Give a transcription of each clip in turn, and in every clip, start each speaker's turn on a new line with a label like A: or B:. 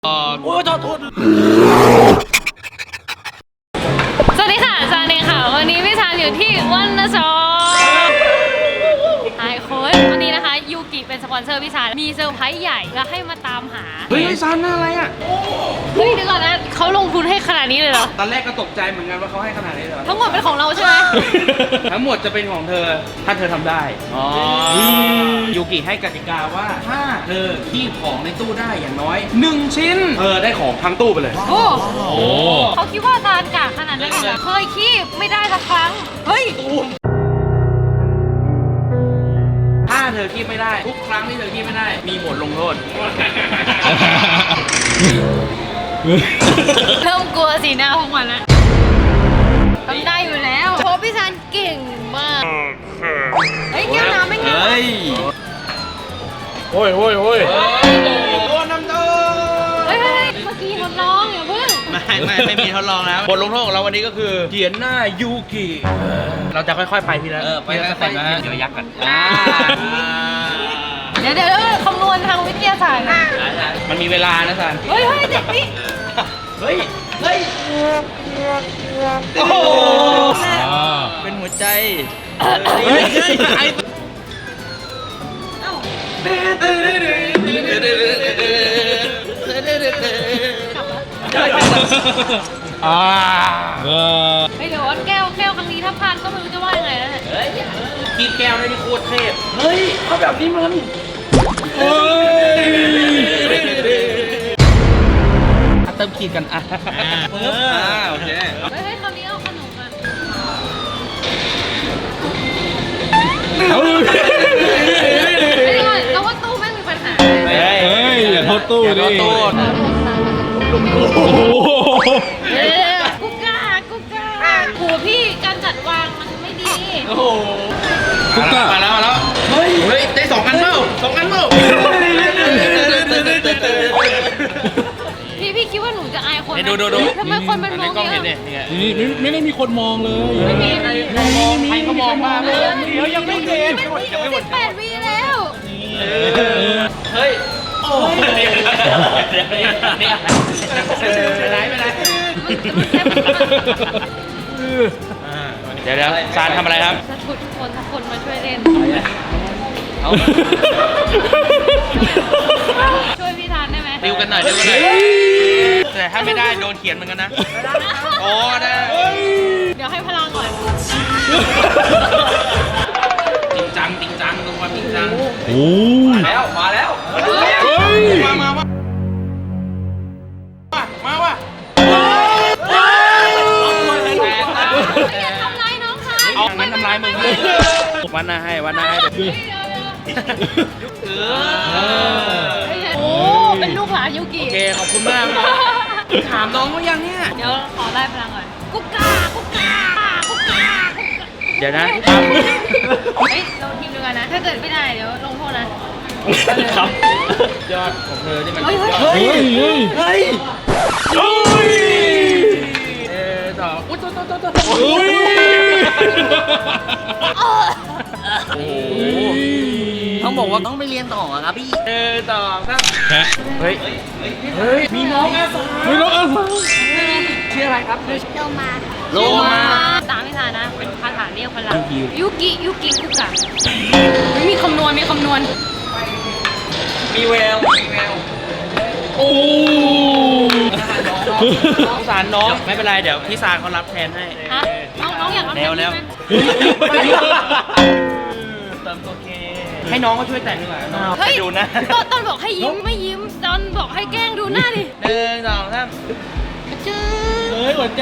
A: โอ้ยโทษ
B: สวัสดีค่ะซานเองค่ะวันนี้พี่ซานอยู่ที่วันนะซอไอคนวันนี้นะคะยูกิเป็นสปอนเซอร์พี่ซานมีเซอร์ไพรส์ใหญ่แล้วให้มาตามหา
A: เฮ้ยซันอะไรอ่ะ
B: เฮ้ยเดี๋ยวก่อนนะเขาลงทุนให้ขนาดนี้เลยเหรอ
A: ตอนแรกก็ตกใจเหมือนกันว่าเขาให้ขนาดนี้เลย
B: ทั้งหมดเป็นของเราใช่ไหม
A: ทั้งหมดจะเป็นของเธอถ้าเธอทำได้ยูกิให้กติกาว่าถ้าเธอคีบของในตู้ได้อย่างน้อย1ชิ้นเธอได้ของทั้งตู้ไปเลย
B: โอ้เขาคิดว่าซานกากขนาดนั้นเลยเหรอเคยคีบไม่ได้สักครั้งเฮ้ย
A: ถ้าเธอคีบไม่ได้ทุกครั้งที่เธอคีบไม่ได้มีบทลงโทษ
B: เริ่มกลัวสีหน้าของมันแล้วทำได้อยู่แล้วเพราะพี่ซานเก่งมากเฮ้ยแก้วน้ำไม่เงี้ย
A: โอ้ยโดนน้ำโดน
B: เฮ้ยเมื่อกี้ทดลองอย่าเพิ่ง
A: ไม่มีทดลองแล้วบทลงโทษของเราวันนี้ก็คือเขียนหน้ายูกิเราจะค่อยๆไปทีละไปสเต็ปนะเดี๋ยวยักษ์กัน
B: เดี๋ยวคำนวณทางวิทยาศาสตร์นะ
A: มันมีเวลานะสัน
B: เฮ้ยเด็กนี่
A: เฮ้ยโอ้โหเป็นหัวใจ
B: เฮ้ยเดี๋ยวแก้วครั้งนี้ถ้าพลาดก็ไม่รู้จะว่ายังไงแล้วเนี่ย
A: เฮ้ยกินแก้วได้ที่โคตรเทพเฮ้ยเขาแบบนี้มันเติมขีดกันโอเค
B: เฮ้ยคราวนี้เอาขนมมาไม่ได้เราว่าตู้แม่งมีปัญหา
A: เฮ้ยอย่าโทษตู้ดิ
B: กุ๊กก้าโหพี่การจัดวางมันไม่ดี
A: โอ้โหมาแล้วเฮ้ยได้2 อันเปล่า
B: พี่คิดว่าหนูจะอายคนไหม
A: ดู
B: ทำไมคนมันมอง
A: กล้อง
B: เย
A: เห็นเนี่
B: อะ
A: ย
C: นี่ไม่ได้มีคนมองเลย
B: ไม่มี
A: ใครเขามองบ้างเลยเดี๋ยวยังไม่เห็น
B: 18 วิแล้ว
A: เฮ้ยโอ้ยไปไหนเดี๋ยวซานทำอะไรครับ
B: สักคนมาช่วยเล่น ช่วยพี่ทานได้ไหม
A: ดิวกันหน่อยแต่ถ้าไม่ได้โดนเขียนเหมือนกันนะโอ้ได้
B: เดี๋ยวให้พลังก่อน
A: จริงจังดูความจริงจัง
C: โอ้ย
A: มาแล้ว
C: เฮ้ย
A: มาว่ะ
B: อย่าทำร้ายน้องค่ะ
A: เอางั้นทำร้ายมึงวันหน้าให้
B: โอ้เป็นลูกหลานยูกิ
A: โอเคขอบคุณมากถามน้องว่ายังเนี่ย
B: เดี๋ยวขอไล่พลังก่อนกุ๊กกา
A: เดี๋ยวนะ
B: เฮ้ยเราทีมเดียวกันนะ ถ้าเกิดไม่ได้เดี๋ยวลงโทษนะครับ
A: ยอดของเธอที่มัน
C: เฮ้ย
A: ต่ออุ้ยตัวโอ้ต้องบอกว่าต้องไปเรียนต่อครับพี่ต่อครับเฮ้ยมีน้องอาสา
C: ไม่รู้อะไร
A: ชื่ออะไรครับโลมา
B: ตามพี่ทานนะเป็นคาถาเรียกพลังยูกิกุ๊กกามีคำนวณ
A: มีแววโอ้สงสารน้องไม่เป็นไรเดี๋ยวพี่ซานเขารับแทนให้
B: ฮะน้องอยากรับ
A: แล้ว เติมตัวเคให้น้องเขาช่วยแต่งดีกว่า
B: เฮ้ย
A: ดูนะ
B: ตอนบอกให้ยิ้มไม่ยิ้มตอนบอกให้แกล้งดูหน้าดิ
A: 1 2 3
B: จื้อ
C: เฮ้ยหัวใจ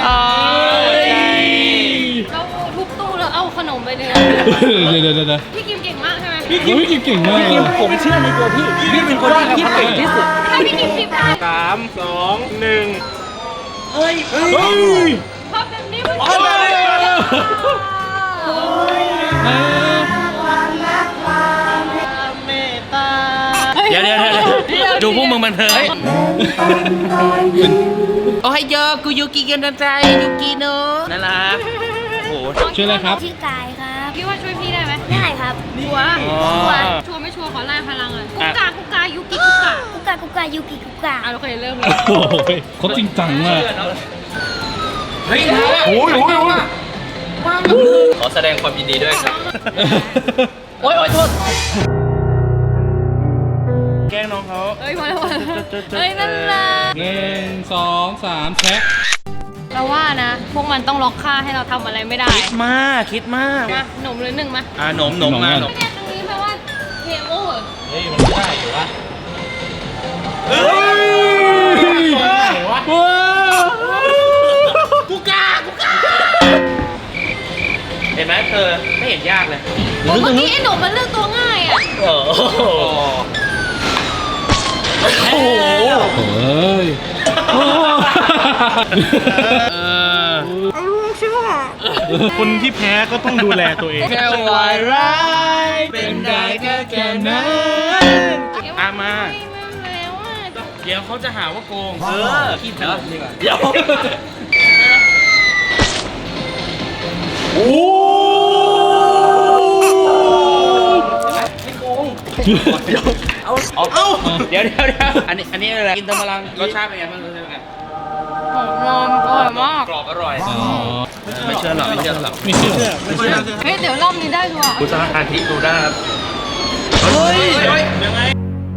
B: เราทุบตู้แล้วเอาขนมไปเลย
C: เดี๋ยว
B: พี่กิมเก่งมากใช่ไหม
C: พี่กิมเก่งมาก
A: ผมเชื่อในตัวพี่เป็นคนที่เก่งที่สุด
B: ถ้าพี่กิมคิดได้
A: 3 2 1เฮ้ย
B: ภาพแบบนี้มัน
A: เดี๋ยวดูพวกมึงมันเถอะโอ้ยโยกูยูกิกันใจยูกิโนน่ารักโอ้โห
C: ชื่ออะไรครับ
D: ชื่อกายครับ
B: พี่ว่าช่วยพี่ได้ไหม
D: ได้ได้ครับ
B: ชัวร์
A: อ๋อ
B: ชัวร์ไม่ชัวร์ขอไล่พลังเลยกุ๊กกายุกิกุ๊กกา
D: กุ๊กกากุ๊กกายูกิกุ๊กกา
B: อ่ะโอเคเริ่มเลย
C: โอ้ยเขาจริงจังมาก
A: เฮ้ย
C: โอ้ยโอ้ยโอ้ย
E: ขอแสดงความยินดีด้วยครับ
A: โอ๊ยโทษแกล้งน้องเขา
B: เฮ้ยมาแล้วเฮ้ยนั่นแหละ
C: 1 2 3แชะ
B: เราว่านะ พวกมันต้องล็อกค่าให้เราทำอะไรไม่ได้
A: คิดมาก
B: มาหนุ่มหรือหนึ่งมา
A: หนมมาหนม
B: ไม่ได้ตรงนี้แปลว่าเกมโอเวอร์
C: เฮ้ย มันไม่ได้อยู่วะ
A: เฮ้ย
C: ว้าว
A: กูกาเห็นไหมเธอไม่เห็นยากเลย
B: เมื่อกี้ไอ้หนุ่มมันเลือกตัวง่ายอ่ะ
E: โอ้โห
A: โอ้โห
C: เฮ้ย
F: คนที่แพ้ก็ต้องดูแลตัวเอง
A: แค่วายร้ายเป็นได้แค่นั้นมา
B: ไม่แล้วอ่ะ
A: เดี๋ยวเขาจะหาว่าโกงคิดเถอะดีกว่า
E: เดี๋ยว
C: โอ้
A: เอาเดี๋ยวอันนี้อะไรกินตะมะลังรสชาติเป็นไงบ้างรสชาติเป็นไง
B: นอนอร่อยมาก
A: กรอบอร่อย
C: อ๋อ
A: ไม่เชื่อหรอกไม่เชื่อหรอก
C: ไม่เชื่อ
B: เฮ้ยเดี๋ยวรอบนี้ได้ชัวร์
E: คุณสร้างอาทิดูได้ครับ
A: เฮ้ยยังไง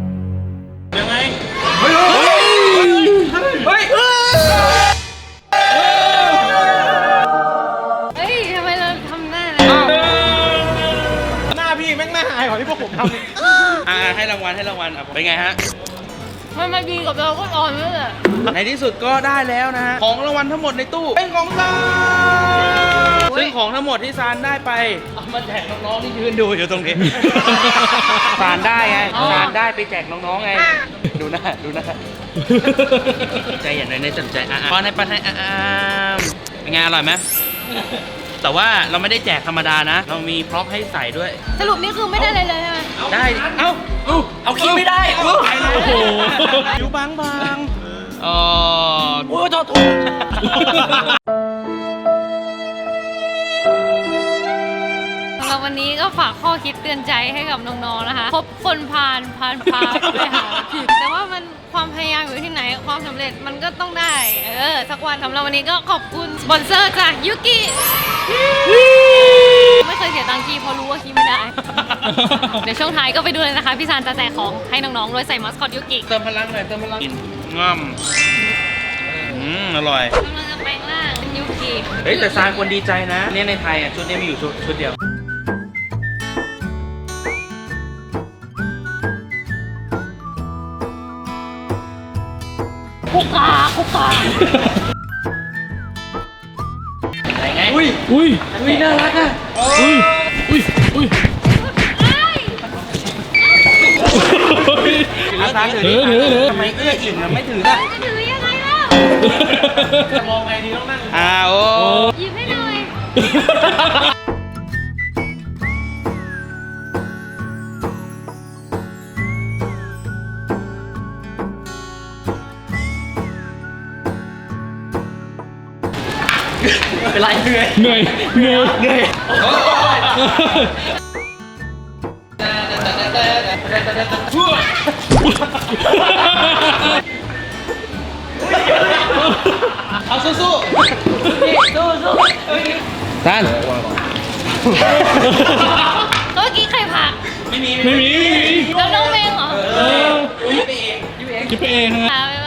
A: เฮ้ยเฮ้ย
B: เฮ้ยทำไมเราทำหน้าอะไร
F: หน้าพี่แม่งหน้าหายกว่าที่พวกผมทำอีก
A: ให้รางวัลเป็นไงฮะ
B: มันมาดีกับเราก็อ่อนเลยอ่ะ
A: ในที่สุดก็ได้แล้วนะฮะของรางวัลทั้งหมดในตู้เป็นของซานซึ่งของทั้งหมดที่ซานได้ไปเอามาแจกน้องๆที่ยืนดูอยู่ตรงนี้ซานได้ไงซานได้ไปแจกน้องๆไงดูหน้าใจอย่างไรในสนใจพอในปันให้เป็นไงอร่อยไหมแต่ว่าเราไม่ได้แจกธรรมดานะ เรามีพร็อพให้ใส่ด้วย
B: สรุปนี่คือไม่ได้เลยใช่ไหม
A: ได้เอาคิดไม่ได้ไปเลย
C: โอ้โห
A: อยู่บางอ๋อโอ้โทษ
B: สำหรับวันนี้ก็ฝากข้อคิดเตือนใจให้กับน้องๆนะคะพบคนพาไปหาผิดแต่ว่ามันความพยายามอยู่ที่ไหนความสำเร็จมันก็ต้องได้สักวันสำหรับวันนี้ก็ขอบคุณสปอนเซอร์จากยุกิไม่เคยเสียตังค์คีเพราะรู้ว่าคีไม่ได้ เดี๋ยวช่วงท้ายก็ไปดูเลยนะคะพี่ซานจะแจกของให้น้องๆโดยใส่มัสคอตยุกิ
A: เติมพลังหน่อยกินง่อมอร่อย
B: กำลังจะแปลงร่างเป็นยุกิ
A: เฮ้ยแต่ซานควรดีใจนะเนี่ยในไทยชุดนี้มีอยู่ชุดเดียว
B: คุกกา
A: อะไรไง
C: อุ้ย
A: น่ารักอ่ะ
C: อุ้ย
A: ซานถือ
C: ถือ
A: ทำไมเอื้ออิ่มไม่ถือล่ะ
B: จะถือยังไงเล่า
F: จะมองไงดีต้องนั่ง
A: โอ้
B: หยิบให้หน่อย
A: เป็นไรเหนื่อย
C: เหนื่อย
A: เอาสู้ซาน
B: เมื่อกี้ใครผัก
A: ไม่มี
C: ไม่มี
B: แล้วน้องเมงเหรอ
C: คิดไปเองฮะ
B: บ๊าย